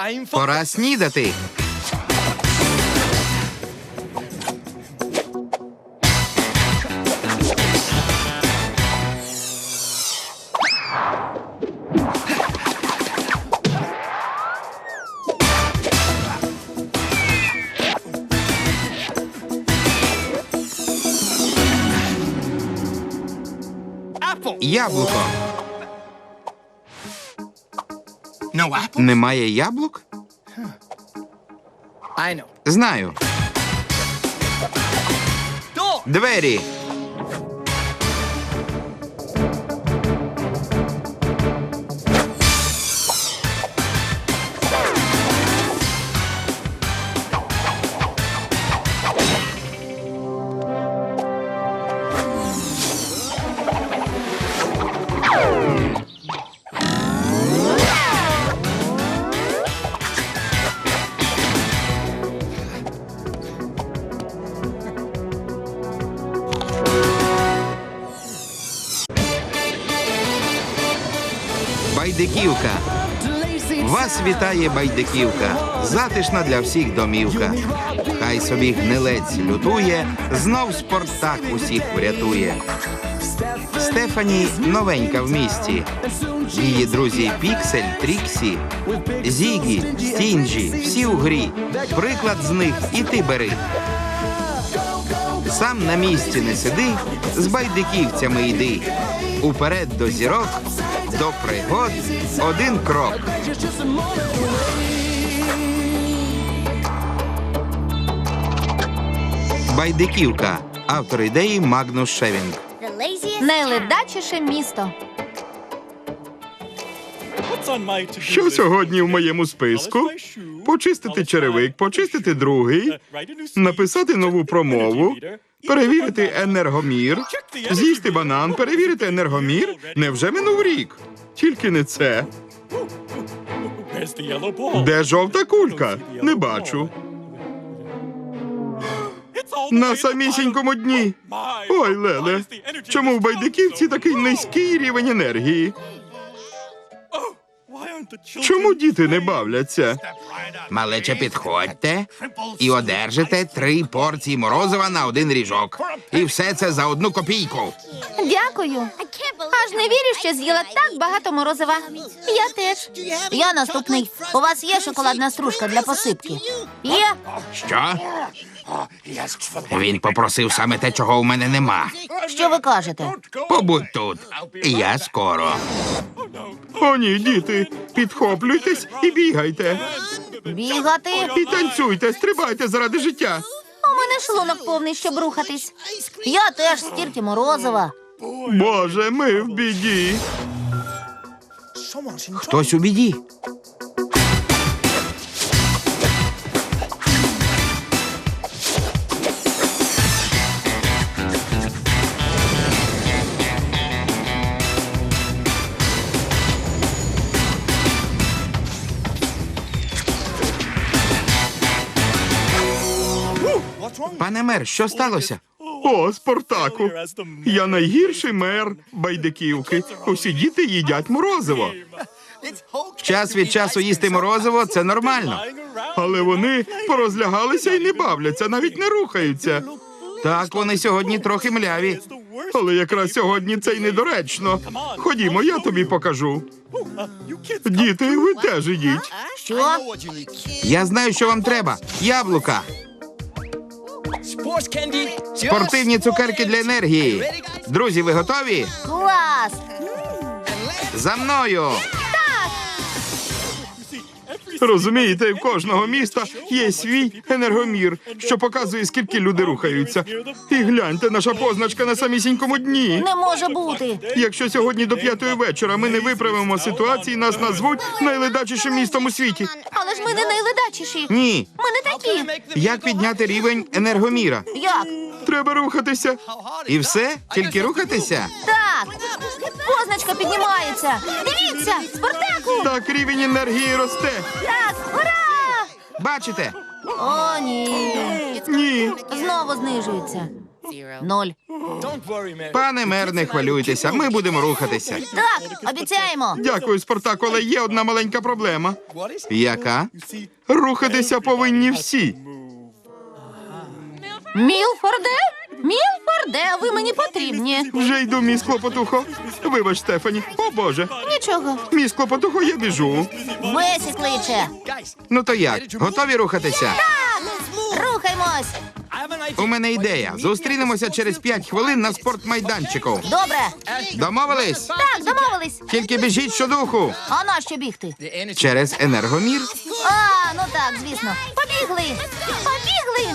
Пора снідати. Яблуко. Немає яблук? Знаю. Двері. Байдиківка. Вас вітає Байдиківка. Затишна для всіх домівка. Хай собі гнилець лютує, знов Спартак усіх врятує. Стефані новенька в місті. Її друзі Піксель, Тріксі, Зігі, Стінджі, всі у грі. Приклад з них і ти бери. Сам на місці не сиди, з байдиківцями йди. Уперед до зірок, до пригод один крок. Байдиківка. Автор ідеї Магнус Шевінг. Найледачіше місто. Що сьогодні в моєму списку? Почистити черевик, почистити другий, написати нову промову, перевірити енергомір, з'їсти банан, перевірити енергомір. Невже минув рік? Тільки не це. Де жовта кулька? Не бачу. На самісінькому дні. Ой, Леле, чому в Байдиківці такий низький рівень енергії? Чому діти не бавляться? Малече, підходьте і одержите 3 порції морозива на 1 ріжок. І все це за 1 копійку. Дякую. Аж не вірю, що з'їла так багато морозива. Я теж. Я наступний. У вас є шоколадна стружка для посипки? Є. Що? Він попросив саме те, чого у мене нема. Що ви кажете? Побудь тут. Я скоро. О, ні, діти, підхоплюйтесь і бігайте. Бігати? І танцюйте, стрибайте заради життя. У мене шлунок повний, щоб рухатись. Я теж стільки морозива. Боже, ми в біді. Хтось у біді. Пане мер, що сталося? О, Спартаку, я найгірший мер Байдиківки. Усі діти їдять морозиво. Час від часу їсти морозиво – це нормально. Але вони порозлягалися і не бавляться, навіть не рухаються. Так, вони сьогодні трохи мляві. Але якраз сьогодні це й недоречно. Ходімо, я тобі покажу. Діти, ви теж ідіть. Що? Я знаю, що вам треба. Яблука. Спортивні цукерки для енергії. Друзі, ви готові? Клас! За мною! Розумієте, в кожного міста є свій енергомір, що показує, скільки люди рухаються. І гляньте, наша позначка на самісінькому дні. Не може бути. Якщо сьогодні до 5-ї вечора ми не виправимо ситуації, нас назвуть найледачішим містом у світі. Але ж ми не найледачіші. Ні. Ми не такі. Як підняти рівень енергоміра? Як? Треба рухатися. І все? Тільки рухатися? Так. Позначка піднімається. Дивіться, Спартаку! Так рівень енергії росте. Так, ура! Бачите? О, ні. Ні. Знову знижується. 0. Пане мер, не хвилюйтеся, ми будемо рухатися. Так, обіцяємо. Дякую, Спартак, але є одна маленька проблема. Яка? Рухатися повинні всі. Мілфорде? Мілфорде, ви мені потрібні. Вже йду, міс Клопотухо. Вибач, Стефані. О, Боже. Нічого. Міс Клопотухо, я біжу. Бесі кличе. Ну то як? Готові рухатися? Рухаймось. У мене ідея. Зустрінемося через 5 хвилин на спортмайданчику. Добре. Домовились? Так, домовились. Тільки біжіть щодуху. А на що бігти? Через енергомір. А, ну так, звісно. Побігли. Побігли.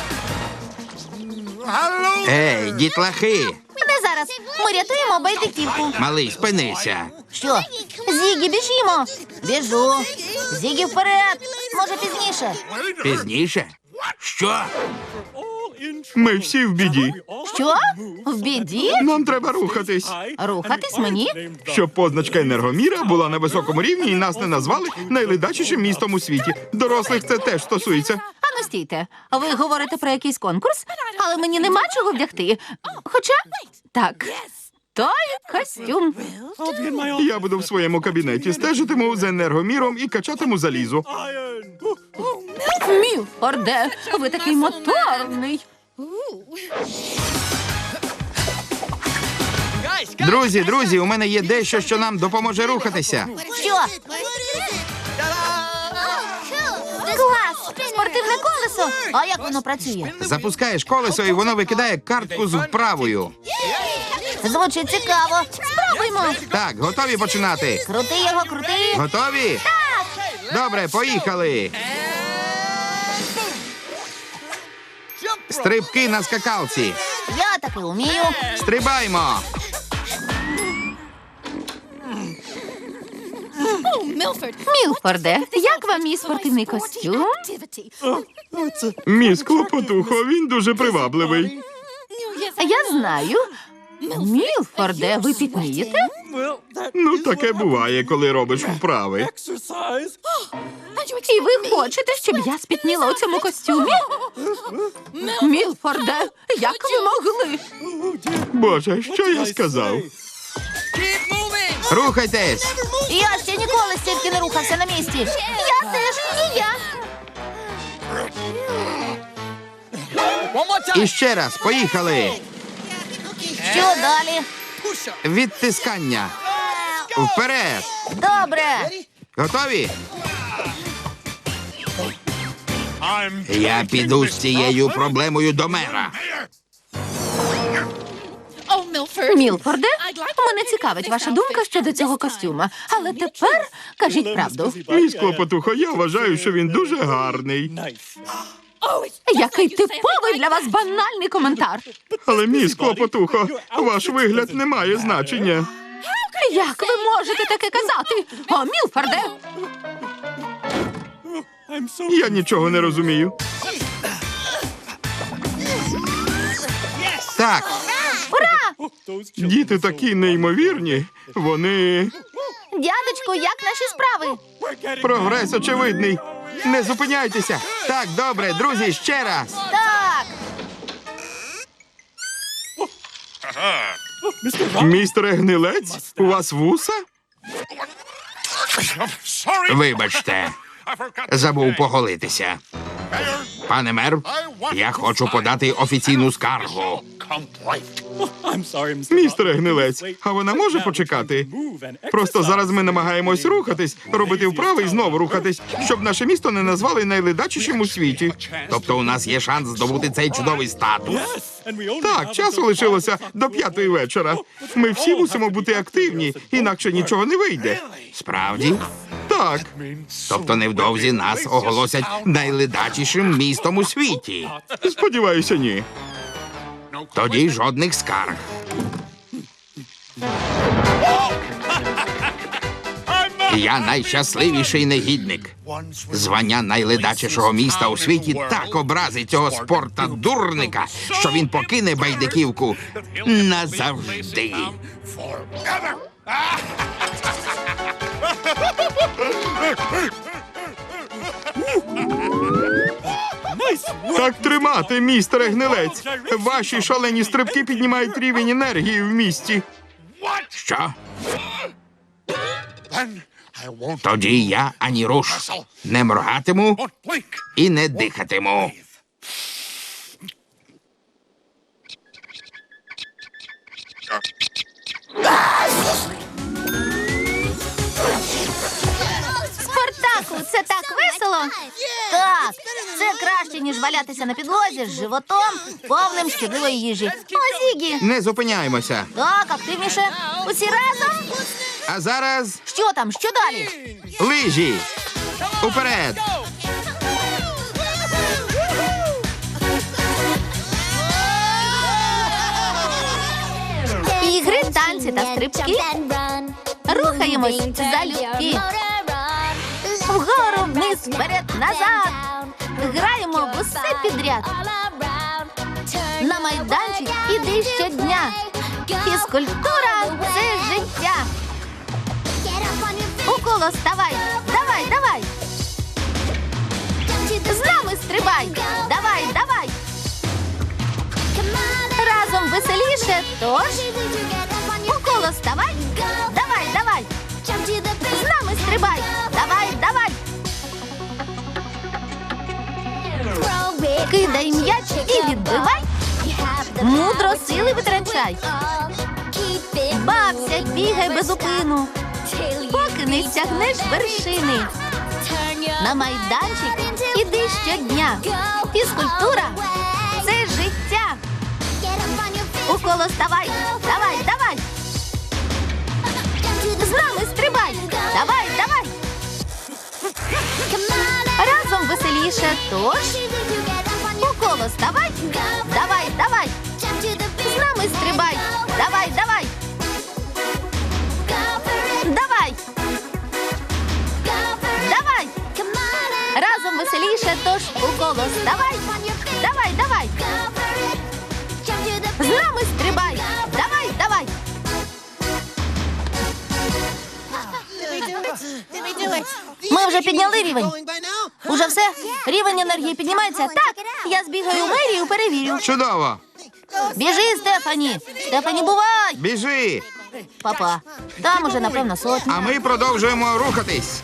Ей, дітлахи! Не зараз. Ми рятуємо байдиківку. Малий, спинися. Що? Зігі, біжімо. Біжу. Зігі вперед. Може, пізніше. Пізніше? Що? Ми всі в біді. Що? В біді? Нам треба рухатись. Рухатись мені? Щоб позначка енергоміра була на високому рівні і нас не назвали найледачішим містом у світі. Дорослих це теж стосується. Ану, стійте. Ви говорите про якийсь конкурс, але мені нема чого вдягти. Хоча, так, той костюм. Я буду в своєму кабінеті, стежитиму за енергоміром і качатиму залізо. Мілфорде, ви такий моторний. Друзі, у мене є дещо, що нам допоможе рухатися. Що? Клас! Спортивне колесо! А як воно працює? Запускаєш колесо, і воно викидає картку з вправою. Звучить цікаво. Спробуймо. Так, готові починати? Крути його, крути. Готові? Добре, поїхали. Стрибки на скакалці. Я таки вмію. Стрибаймо. Мілфорде, як вам мій спортивний костюм? Міс Клопотухо, він дуже привабливий. Я знаю. Мілфорде, ви пітнієте? Ну, таке буває, коли робиш вправи. І ви хочете, щоб я спітніла у цьому костюмі? Мілфорде, як ви могли? Боже, що я сказав? Рухайтесь. Я ще ніколи стільки не рухався на місці. Я теж, і я. І ще раз, поїхали. Що далі? Відтискання. Вперед. Добре. Готові? Я піду з цією проблемою до мера. Мілфорде, мене цікавить ваша думка щодо цього костюма. Але тепер кажіть правду. Міс Клопотухо, я вважаю, що він дуже гарний. Який типовий для вас банальний коментар. Але, міс Клопотухо, ваш вигляд не має значення. Як ви можете таке казати? О, Мілфорде! Я нічого не розумію. Так, Ура! Діти такі неймовірні. Вони... Дядечку, як наші справи? Прогрес очевидний. не зупиняйтеся. Так, добре, друзі, ще раз. Так! Містере Гнилець, у вас вуса? Вибачте, забув поголитися. Пане мер, я хочу подати офіційну скаргу. Містере Гнилець, а вона може почекати? Просто зараз ми намагаємось рухатись, робити вправи і знову рухатись, щоб наше місто не назвали найледачішим у світі. Тобто у нас є шанс здобути цей чудовий статус. Так, часу лишилося до 5-ї вечора. Ми всі мусимо бути активні, інакше нічого не вийде. Справді? Так, Тобто невдовзі нас оголосять найледачішим містом у світі. сподіваюся, ні. Тоді жодних скарг. Я найщасливіший негідник. Звання найледачішого міста у світі так образить цього спорта-дурника, що він покине байдиківку назавжди. Так тримати, містере Гнилець. Ваші шалені стрибки піднімають рівень енергії в місті. Що? Тоді я ані руш. Не моргатиму і не дихатиму. Спартаку, це так весело? Так, це краще, ніж валятися на підлозі з животом, повним шкідливої їжі. О, Зігі! Не зупиняємося. Так, активніше. Усі разом? А зараз Що там? Що далі? лижі. Уперед. Ігри, танці та стрибки. Рухаємось залюбки. Вгору, вниз, вперед, назад. Граємо в усе підряд. На майданчик іди щодня. Фізкультура – це життя. У коло ставай. Давай, давай. З нами стрибай. Давай, давай. Разом веселіше, тож у коло ставай. Давай, давай. З нами стрибай. Давай, давай. Кидай м'яч і відбивай. Мудро сили витрачай. Бався, бігай без упину, поки не стягнеш вершини. На майданчик іди щодня. Фізкультура – це життя. У коло ставай. Давай, давай. З нами стрибай. Давай, давай. Разом веселіше, тож у коло ставай. Давай, давай. З нами стрибай. Давай, давай. Давай. Давай. Разом веселіше, тож у коло ставай. Давай, давай. З нами стрибай. Давай, давай. Ми вже підняли рівень. Уже все? Рівень енергії піднімається? Так. Я збігаю в мерію, перевірю. Чудово. Біжи, Стефані. Стефані, бувай. Біжи. Папа, там уже, напевно, сотня. А ми продовжуємо рухатись.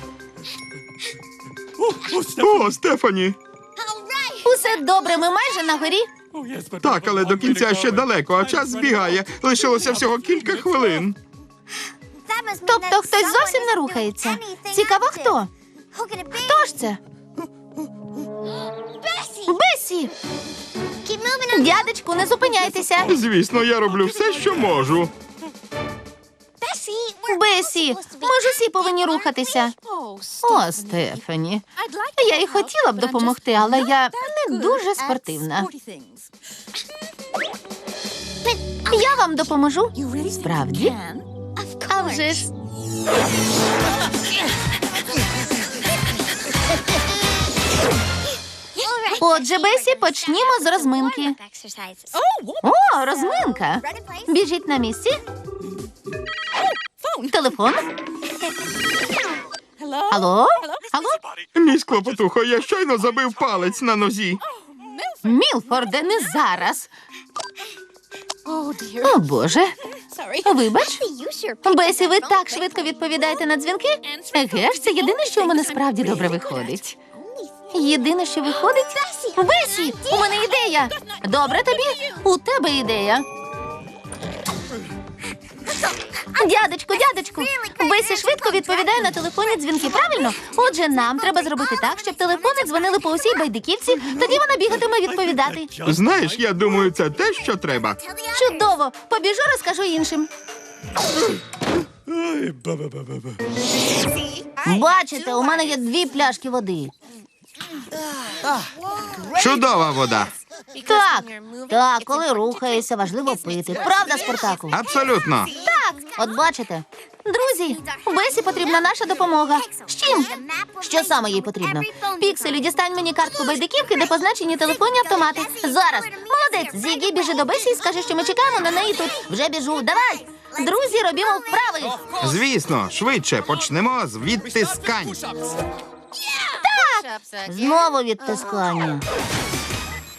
О, Стефані. Усе добре, ми майже на горі. Так, але до кінця ще далеко, а час збігає. Лишилося всього кілька хвилин. Тобто хтось зовсім не рухається. Цікаво, хто? Хто ж це? Бесі! Дядечку, не зупиняйтеся. Звісно, я роблю все, що можу. Бесі, ми ж усі повинні рухатися. О, Стефані. Я й хотіла б допомогти, але я не дуже спортивна. Я вам допоможу. Справді? А вже ж. Отже, Бесі, почнімо з розминки. О, розминка. Біжіть на місці. Телефон. Алло? Алло? Мій склопотухо, я щойно забив палець на нозі. Мілфорде, не зараз. О, Боже. Вибач. Бесі, ви так швидко відповідаєте на дзвінки? Еге ж, це єдине, що у мене справді добре виходить. Єдине, що виходить? Бесі, у мене ідея. Добре тобі? У тебе ідея. Дядечку, Бесі швидко відповідає на телефонні дзвінки, правильно? Отже, нам треба зробити так, щоб телефони дзвонили по усій Байдиківці, тоді вона бігатиме відповідати. Знаєш, я думаю, це те, що треба. Чудово! Побіжу, розкажу іншим. Бачите, у мене є 2 пляшки води. Чудова вода. Так, коли рухаєшся, важливо пити. Правда, Спартаку? Абсолютно. Так, от бачите. Друзі, Бесі потрібна наша допомога. З чим? Що саме їй потрібно? Пікселю, дістань мені картку Байдиківки, де позначені телефонні автомати. Зараз. Молодець, Зігі, біжи до Бесі і скажи, що ми чекаємо на неї тут. Вже біжу. Давай. Друзі, робімо вправи. Звісно, швидше почнемо з відтискань. Знову відтискання.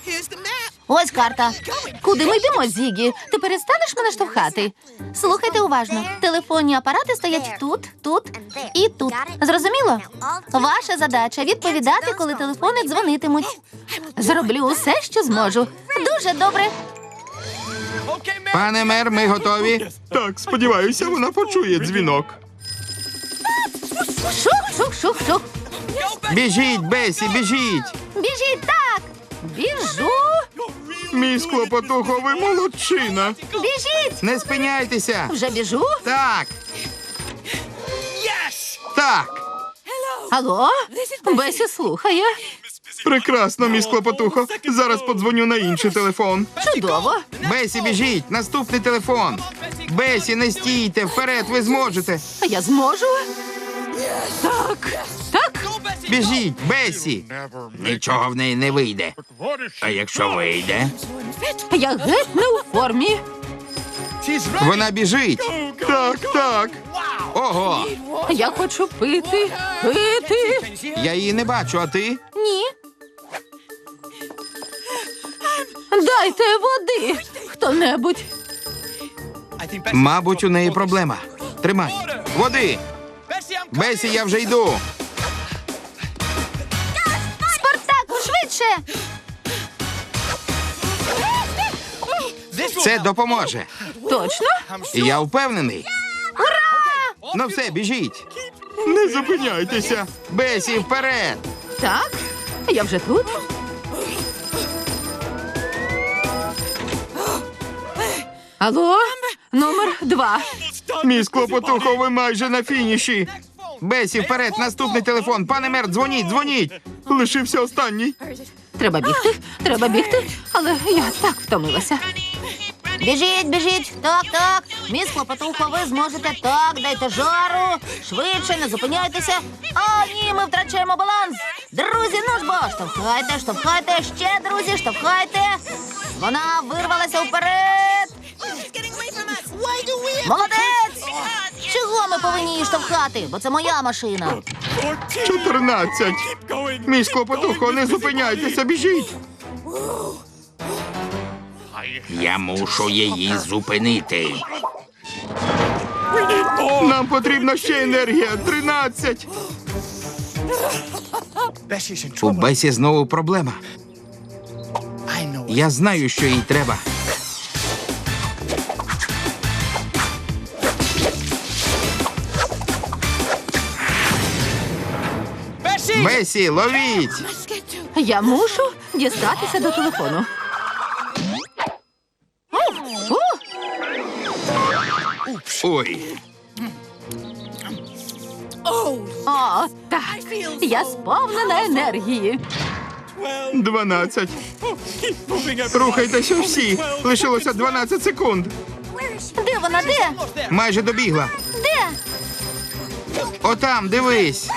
Ось карта. Куди ми йдемо, Зігі? Ти перестанеш мене штовхати? Слухайте уважно. Телефонні апарати стоять тут, тут і тут. Зрозуміло? Ваша задача відповідати, коли телефони дзвонитимуть. Зроблю усе, що зможу. Дуже добре. Пане мер, ми готові. Так, сподіваюся, вона почує дзвінок. Шух, шух, шух, шух. Біжіть, Бесі, біжіть. Біжіть так. Біжу. Мій склопотухо, ви молодчина. Біжіть. Не спиняйтеся. Вже біжу. Так. Так. Алло? Бесі слухає. Прекрасно, мій склопотухо. Зараз подзвоню на інший телефон. Чудово. Бесі, біжіть. Наступний телефон. Бесі, не стійте. Вперед, ви зможете. А я зможу? Так. Так. Біжіть, Бесі. Нічого в неї не вийде. А якщо вийде? Я геть не у формі. Вона біжить. Так, так. Ого. Я хочу пити. Пити. Я її не бачу, а ти? Ні. Дайте води. Хто-небудь. Мабуть, у неї проблема. Тримай. Води. Бесі, я вже йду. Спартаку, швидше. Це допоможе. Точно? Я впевнений. Ура! Ну все, біжіть. Не зупиняйтеся. Бесі, вперед. Так. Я вже тут. Алло? Номер 2. Мій склопотухо, ви майже на фініші. Бесі, вперед, наступний телефон. Пане мер, дзвоніть, дзвоніть. Лишився останній. Треба бігти, але я так втомилася. Біжіть, біжіть, так, так. Міс Клопотухо, ви зможете, так, дайте жару. Швидше, не зупиняйтеся. О, ні, ми втрачаємо баланс. Друзі, ну ж бо, штовхайте, штовхайте, ще, друзі, штовхайте. Вона вирвалася вперед. Молодець! Чого ми повинні її штовхати? Бо це моя машина. 14. Мій склопотухо, не зупиняйтеся, біжіть. Я мушу її зупинити. Нам потрібна ще енергія. 13. У Бесі знову проблема. Я знаю, що їй треба. Бесі, ловіть! Я мушу дістатися до телефону. Ой, О, так. Я сповнена енергії. 12. Рухайтеся всі. Лишилося 12 секунд. Де вона? Де? майже добігла. Де? Отам, дивись.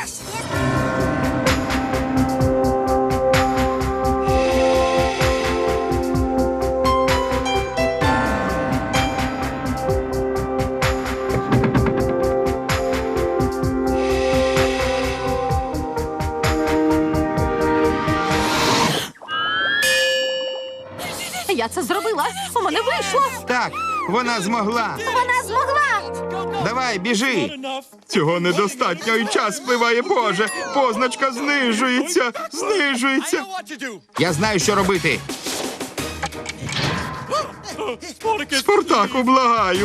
Я це зробила. У мене вийшло. Так, вона змогла. Вона змогла. Давай, біжи. Цього недостатньо і час спливає, Боже. Позначка знижується, знижується. Я знаю, що робити. Спартаку, благаю.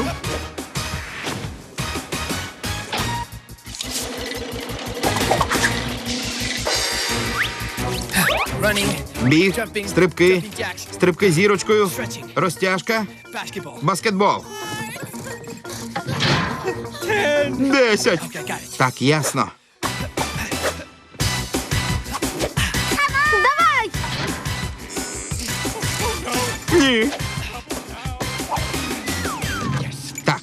Біг, стрибки, стрибки зірочкою, розтяжка, баскетбол. 10. Так, ясно. Давай! Ні. Так.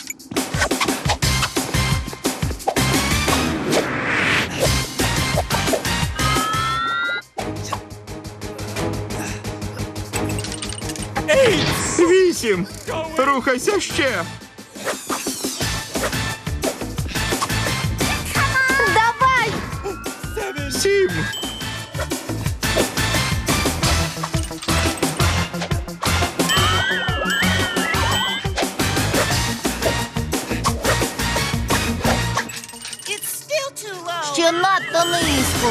Вісім. Рухайся ще. Давай! 7. ще надто низько.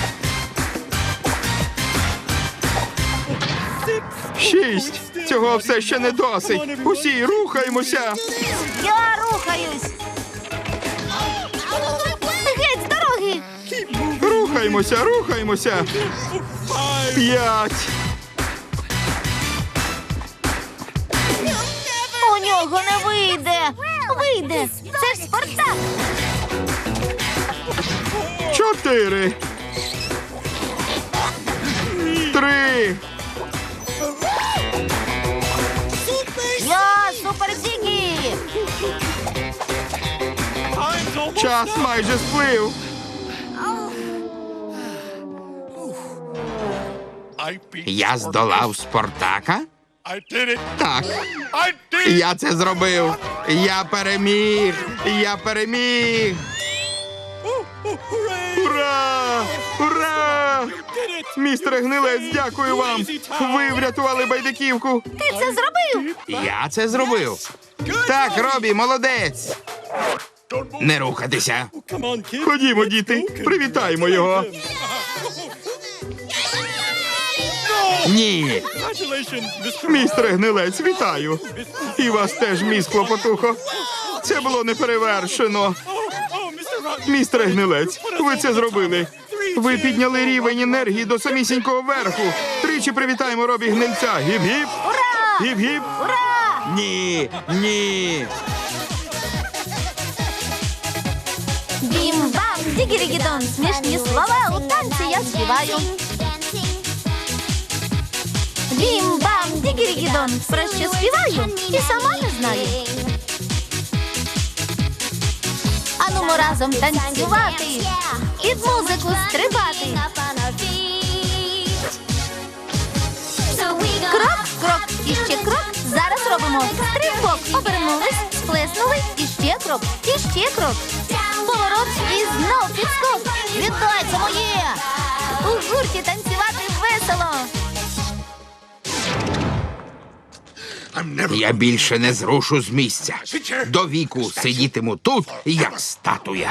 6. Цього все ще не досить. Усі рухаємося. Я рухаюсь. Геть з дороги. Рухаємося, рухаємося. 5. У нього не вийде. Вийде. Це ж Спартак. 4. 3. Я Супер Зігі. Час майже сплив. Я здолав Спартака? Так. Я це зробив. Я переміг. Я переміг. Ура! Ура! Містере Гнилець, дякую вам. Ви врятували байдиківку. Ти це зробив? Я це зробив. Так, Робі, молодець. Не рухатися. Ходімо, діти, привітаємо його. Ні. Містере Гнилець, вітаю. І вас теж, міс Клопотухо. Це було неперевершено. Містере Гнилець, ви це зробили. Ви підняли рівень енергії до самісінького верху. Тричі привітаємо Робі Гнильця. Гіп-гіп. Ура! Гіп-гіп. Ура! Ні, ні. Бім-бам, дігірігідон. Смішні слова у танці я співаю. Бім-бам, дігірігідон. Про що співаю? І сама не знаю. Анумо разом танцювати. Під музику стрибати. Крок, крок, і ще крок. Зараз робимо стрибок. Обернулись, сплеснули, і ще крок, і ще крок. Поворот і знов підскок. Вітай, це моє! У гурті танцювати весело. Я більше не зрушу з місця. До віку сидітиму тут, як статуя.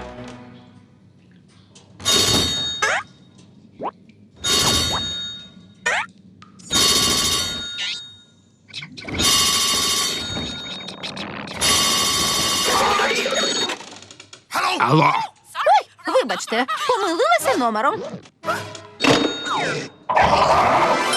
Алло, Ой, вибачте, помилилася номером.